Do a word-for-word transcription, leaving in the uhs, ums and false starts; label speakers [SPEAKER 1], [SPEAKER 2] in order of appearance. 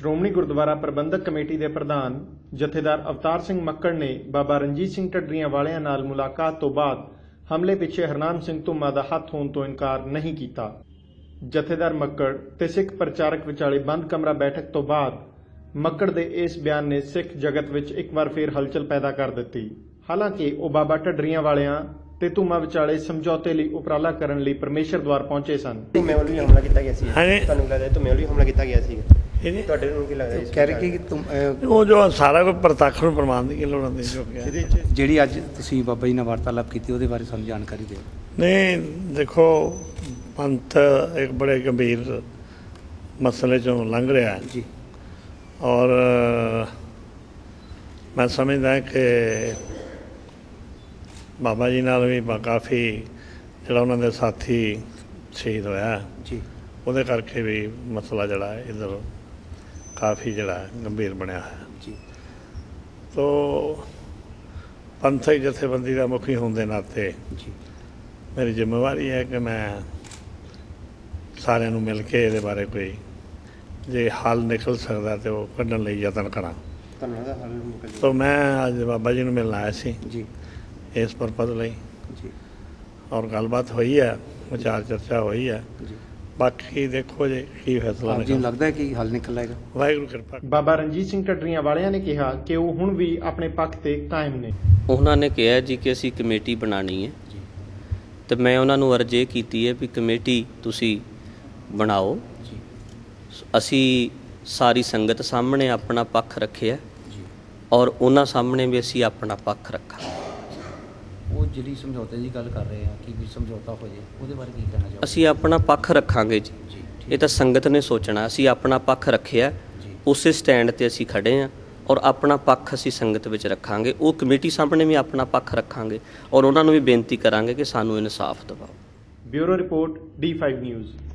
[SPEAKER 1] ਸ਼੍ਰੋਮਣੀ ਗੁਰਦੁਆਰਾ ਪ੍ਰਬੰਧਕ committee ਦੇ ਪ੍ਰਧਾਨ ਜਥੇਦਾਰ ਅਵਤਾਰ ਸਿੰਘ ਮੱਕੜ ਨੇ ਬਾਬਾ ਰਣਜੀਤ ਸਿੰਘ ਢੱਡਰੀਆਂ ਵਾਲਿਆਂ ਨਾਲ ਮੁਲਾਕਾਤ ਤੋਂ ਬਾਅਦ ਹਮਲੇ ਪਿੱਛੇ ਹਰਨਾਮ ਸਿੰਘ ਧੁੰਮਾ ਦਾ ਹੱਥ ਹੋਣ ਤੋਂ ਇਨਕਾਰ ਨਹੀਂ ਕੀਤਾ। ਜਥੇਦਾਰ ਮੱਕੜ ਤੇ ਸਿੱਖ ਪ੍ਰਚਾਰਕ ਵਿਚਾਲੇ ਬੰਦ ਕਮਰਾ ਬੈਠਕ ਤੋਂ ਬਾਅਦ ਮੱਕੜ ਦੇ ਇਸ ਬਿਆਨ ਨੇ ਸਿੱਖ ਜਗਤ ਵਿੱਚ ਇੱਕ ਵਾਰ ਫੇਰ ਹਲਚਲ ਪੈਦਾ ਕਰ ਦਿੱਤੀ। ਹਾਲਾਂਕਿ ਉਹ ਬਾਬਾ ਢੱਡਰੀਆਂ ਵਾਲਿਆਂ ਤੇ ਧੁੰਮਾ ਵਿਚਾਲੇ ਸਮਝੌਤੇ ਲਈ ਉਪਰਾਲਾ ਕਰਨ ਲਈ ਪਰਮੇਸ਼ਰ ਦੁਆਰ ਪਹੁੰਚੇ ਸਨ।
[SPEAKER 2] ਧੁੰਮੇ ਵੱਲੋਂ ਹੀ ਹਮਲਾ ਕੀਤਾ ਗਿਆ ਸੀ।
[SPEAKER 3] ਹਾਂਜੀ।
[SPEAKER 2] ਤੁਹਾਨੂੰ ਲੱਗਦਾ ਧੁੰਮੇ ਵੱਲੋਂ ਹੀ ਹਮਲਾ ਕੀਤਾ ਗਿਆ ਸੀ?
[SPEAKER 3] ਇਹਨੇ
[SPEAKER 2] ਤੁਹਾਡੇ ਨੂੰ ਕੀ ਲੱਗਦਾ?
[SPEAKER 4] ਕਹਿ ਰਹੇ ਕਿ ਤੁਮ ਅਹ,
[SPEAKER 3] ਉਹ ਜੋ ਸਾਰਾ ਕੁਝ ਪ੍ਰਤੱਖ ਨੂੰ ਪ੍ਰਮਾਣ ਦੀ ਲੋੜ ਹੁੰਦੀ ਜੋ ਕਿ
[SPEAKER 2] ਇਹਦੇ ਵਿੱਚ
[SPEAKER 4] ਜਿਹੜੀ ਅੱਜ ਤੁਸੀਂ ਬਾਬਾ ਜੀ ਨਾਲ ਵਾਰਤਾਲਾਪ ਕੀਤੀ ਉਹਦੇ ਬਾਰੇ ਸਾਨੂੰ ਜਾਣਕਾਰੀ ਦਿਓ।
[SPEAKER 3] ਨਹੀਂ ਦੇਖੋ, ਪੰਥ ਇੱਕ ਬੜੇ ਗੰਭੀਰ ਮਸਲੇ ਚੋਂ ਲੰਘ ਰਿਹਾ ਹੈ
[SPEAKER 4] ਜੀ।
[SPEAKER 3] ਔਰ ਮੈਂ ਸਮਝਦਾ ਕਿ ਬਾਬਾ ਜੀ ਨਾਲ ਵੀ ਬਾ- ਕਾਫੀ ਜਿਹੜਾ ਉਹਨਾਂ ਦੇ ਸਾਥੀ ਸ਼ਹੀਦ ਹੋਇਆ
[SPEAKER 4] ਜੀ
[SPEAKER 3] ਉਹਦੇ ਕਰਕੇ ਵੀ ਮਸਲਾ ਜਿਹੜਾ ਹੈ ਇੱਧਰ ਕਾਫੀ ਜਿਹੜਾ ਹੈ ਗੰਭੀਰ ਬਣਿਆ ਹੋਇਆ।
[SPEAKER 4] ਜੀ
[SPEAKER 3] ਤੋ ਪੰਥਕ ਜਥੇਬੰਦੀ ਦਾ ਮੁਖੀ ਹੋਣ ਦੇ ਨਾਤੇ
[SPEAKER 4] ਜੀ
[SPEAKER 3] ਮੇਰੀ ਜ਼ਿੰਮੇਵਾਰੀ ਹੈ ਕਿ ਮੈਂ ਸਾਰਿਆਂ ਨੂੰ ਮਿਲ ਕੇ ਇਹਦੇ ਬਾਰੇ ਕੋਈ ਜੇ ਹੱਲ ਨਿਕਲ ਸਕਦਾ ਤੇ ਉਹ ਕੱਢਣ ਲਈ ਯਤਨ ਕਰਾਂ।
[SPEAKER 2] ਤੁਹਾਨੂੰ ਲੱਗਦਾ ਹੱਲ ਨਿਕਲ ਜਾਊਗਾ?
[SPEAKER 3] ਤੋ ਮੈਂ ਅੱਜ ਬਾਬਾ ਜੀ ਨੂੰ ਮਿਲਣ ਆਇਆ ਸੀ
[SPEAKER 4] ਜੀ
[SPEAKER 3] ਇਸ ਪਰਪਸ ਲਈ,
[SPEAKER 4] ਜੀ
[SPEAKER 3] ਔਰ ਗੱਲਬਾਤ ਹੋਈ ਹੈ, ਵਿਚਾਰ ਚਰਚਾ ਹੋਈ ਹੈ।
[SPEAKER 4] ਜੀ
[SPEAKER 3] ਬਾਕੀ ਦੇਖੋ ਜੇ ਕੀ ਫੈਸਲਾ
[SPEAKER 4] ਆਪ ਜੀ ਨੂੰ
[SPEAKER 3] ਨਿਕਲਦਾ।
[SPEAKER 4] ਲੱਗਦਾ ਹੈ ਕਿ ਹੱਲ ਨਿਕਲ ਆਏਗਾ?
[SPEAKER 3] ਵਾਹਿਗੁਰੂ ਕਿਰਪਾ।
[SPEAKER 1] ਬਾਬਾ ਰਣਜੀਤ ਸਿੰਘ ਢੱਡਰੀਆਂ ਵਾਲਿਆਂ ਨੇ ਕਿਹਾ ਕਿ ਉਹ ਹੁਣ ਵੀ ਆਪਣੇ ਪੱਖ ਤੇ ਕਾਇਮ ਨੇ।
[SPEAKER 5] ਉਹਨਾਂ ਨੇ ਕਿਹਾ ਜੀ ਕਿ ਅਸੀਂ ਕਮੇਟੀ ਬਣਾਉਣੀ ਹੈ
[SPEAKER 4] ਜੀ
[SPEAKER 5] ਤੇ ਮੈਂ ਉਹਨਾਂ ਨੂੰ ਅਰਜ਼ ਇਹ ਕੀਤੀ ਹੈ ਵੀ ਕਮੇਟੀ ਤੁਸੀਂ ਬਣਾਓ।
[SPEAKER 4] ਜੀ
[SPEAKER 5] ਅਸੀਂ ਸਾਰੀ ਸੰਗਤ ਸਾਹਮਣੇ ਆਪਣਾ ਪੱਖ ਰੱਖਿਆ
[SPEAKER 4] ਜੀ
[SPEAKER 5] ਔਰ ਉਹਨਾਂ ਸਾਹਮਣੇ ਵੀ ਅਸੀਂ ਆਪਣਾ ਪੱਖ ਰੱਖਾਂਗੇ।
[SPEAKER 4] ਉਹ ਜਿਹੜੀ ਸਮਝੌਤੇ ਦੀ ਗੱਲ ਕਰ ਰਹੇ ਆ ਕਿ ਵੀ ਸਮਝੌਤਾ ਹੋ ਜੇ ਉਹਦੇ ਬਾਰੇ ਕੀ ਕਹਿਣਾ ਚਾਹੋਗੇ?
[SPEAKER 5] ਅਸੀਂ ਆਪਣਾ ਪੱਖ ਰੱਖਾਂਗੇ ਜੀ।
[SPEAKER 4] ਜੀ
[SPEAKER 5] ਇਹ ਤਾਂ ਸੰਗਤ ਨੇ ਸੋਚਣਾ। ਅਸੀਂ ਆਪਣਾ ਪੱਖ ਰੱਖਿਆ,
[SPEAKER 4] ਜੀ
[SPEAKER 5] ਉਸੇ ਸਟੈਂਡ ਤੇ ਅਸੀਂ ਖੜੇ ਹਾਂ ਔਰ ਆਪਣਾ ਪੱਖ ਅਸੀਂ ਸੰਗਤ ਵਿੱਚ ਰੱਖਾਂਗੇ। ਉਹ ਕਮੇਟੀ ਸਾਹਮਣੇ ਵੀ ਆਪਣਾ ਪੱਖ ਰੱਖਾਂਗੇ ਔਰ ਉਹਨਾਂ ਨੂੰ ਵੀ ਬੇਨਤੀ ਕਰਾਂਗੇ ਕਿ ਸਾਨੂੰ ਇਨਸਾਫ ਦਿਵਾਓ।
[SPEAKER 1] Bureau report D five news.